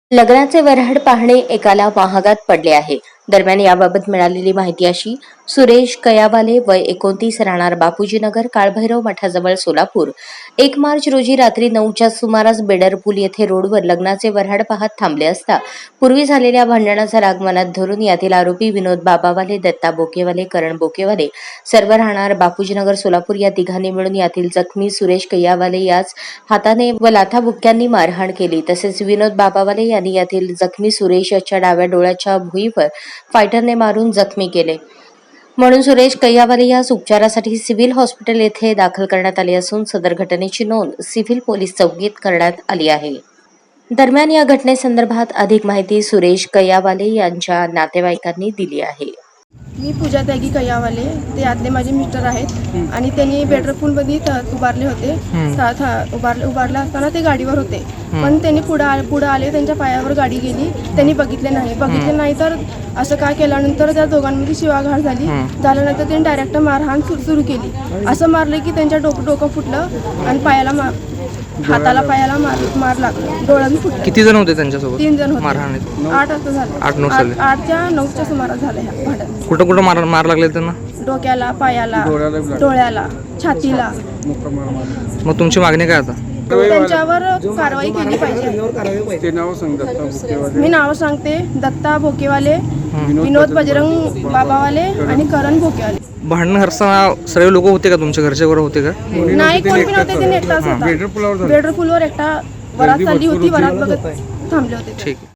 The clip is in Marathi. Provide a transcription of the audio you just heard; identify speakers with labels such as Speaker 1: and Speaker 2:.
Speaker 1: लग्नाचे वऱ्हाड पाहणे एकाला महागात पडले आहे. दरम्यान याबाबत मिळालेली माहिती अशी: सुरेश कयावाले, वय 29, राहणार बापूजीनगर, काळभैरव मठाजवळ, सोलापूर. 1 मार्च रोजी रात्री 9च्या सुमारास बेडरपूल येथे रोडवर लग्नाचे वऱ्हाड पाहत थांबले असता पूर्वी झालेल्या भांडणाचा राग मनात धरून यातील आरोपी विनोद बाबावाले, दत्ता बोकेवाले, करण बोकेवाले, सर्व राहणार बापूजीनगर, सोलापूर या तिघांनी मिळून यातील जखमी सुरेश कयावाले याच हाताने व लाथाबुक्क्यांनी मारहाण केली. तसेच विनोद बाबावाले यांनी यातील जखमी सुरेश याच्या डाव्या डोळ्याच्या भुईवर फायटरने मारून जखमी केले. म्हणून सुरेश कयावाले यास उपचारासाठी सिव्हिल हॉस्पिटल येथे दाखल करण्यात आले असून सदर घटनेची नोंद सिव्हिल पोलीस चौकीत करण्यात आली आहे. दरम्यान या घटनेसंदर्भात अधिक माहिती सुरेश कयावाले यांच्या नातेवाईकांनी दिली आहे.
Speaker 2: मी पूजा त्यागी कयावाले, ते आतले माझे मिस्टर आहेत आणि त्यांनी बेडरपूलमध्ये उभारले होते. उभारला असताना ते गाडीवर होते, पण त्यांनी पुढे आले, त्यांच्या पायावर गाडी गेली, त्यांनी बघितले नाही तर असं काय केल्यानंतर त्या दोघांमध्ये शिवाघाट झाल्यानंतर त्यांनी डायरेक्ट मारहाण सुरू केली. असं मारलं की त्यांच्या डोकं फुटलं आणि हाताला पायाला मार लागला, डोळ्यात फुटलं.
Speaker 3: किती जण होते त्यांच्यासोबत?
Speaker 2: 3 जण होते.
Speaker 3: मारहाणीत
Speaker 2: 8 वाजता झालं. 8च्या 9च्या सुमारास झालं ह्या भांडण.
Speaker 3: कुठं मार लागले त्यांना?
Speaker 2: डोक्याला, पायाला, डोळ्याला, छातीला.
Speaker 3: मग तुमची मागणी काय आता?
Speaker 2: त्यांच्यावर कारवाई केली पाहिजे. मी नाव सांगते: दत्ता बोकेवाले, विनोद बजरंग बाबावाले आणि करण बोकेवाले.
Speaker 3: भांडण हरताना सर्व लोक होते का? तुमच्या घरचे वगैरे होते का?
Speaker 2: नाही, कोणी पण होते. ते एकटाच होता. बेडरपूलवर एकटा वरात चालली होती, वरात बघत थांबले होते.
Speaker 3: ठीक.